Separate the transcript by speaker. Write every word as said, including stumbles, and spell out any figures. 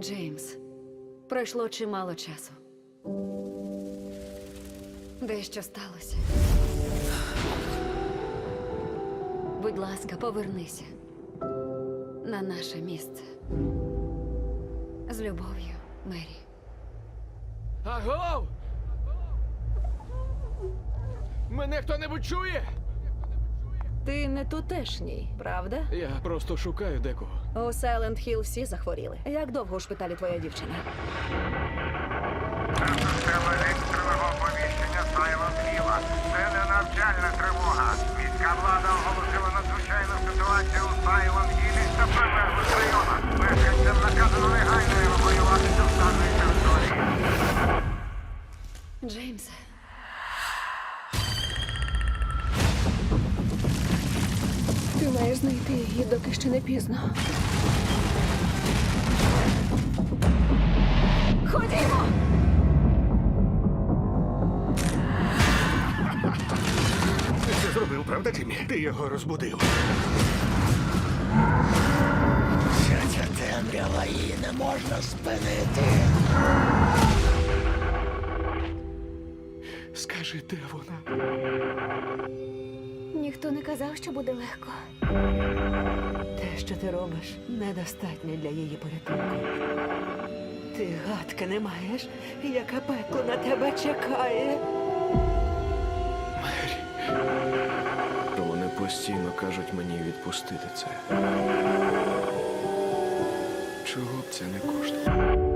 Speaker 1: Джеймс, пройшло чимало часу. Дещо сталося. Будь ласка, повернися на наше місце. З любов'ю, Мері.
Speaker 2: Агов! Мене хто-небудь чує?
Speaker 3: Ти не тутешній, правда?
Speaker 2: Я просто шукаю декого.
Speaker 3: У Сайленд Хіл всі захворіли. Як довго у шпиталі твоя дівчина?
Speaker 4: Система екстреного оповіщення Сайлент Хіла. Це не навчальна тривога. Міська влада оголосила надзвичайну ситуацію у Сайлент Хілі та прилеглих районах. Мешканцям наказано негайно евакуюватися з даної території.
Speaker 1: Джеймсе.
Speaker 3: Ти маєш знайти її, доки ще не пізно. Ходімо!
Speaker 5: Ти це зробив, правда, Тімі? Ти його розбудив.
Speaker 6: Вся ця темрява, її не можна спинити.
Speaker 5: Скажи, де вона?
Speaker 3: Ніхто не казав, що буде легко.
Speaker 7: Те, що ти робиш, недостатньо для її порятунку. Ти гадки не маєш, яке пекло на тебе чекає.
Speaker 2: Мері. Вони постійно кажуть мені відпустити це. Чого б це не коштувало?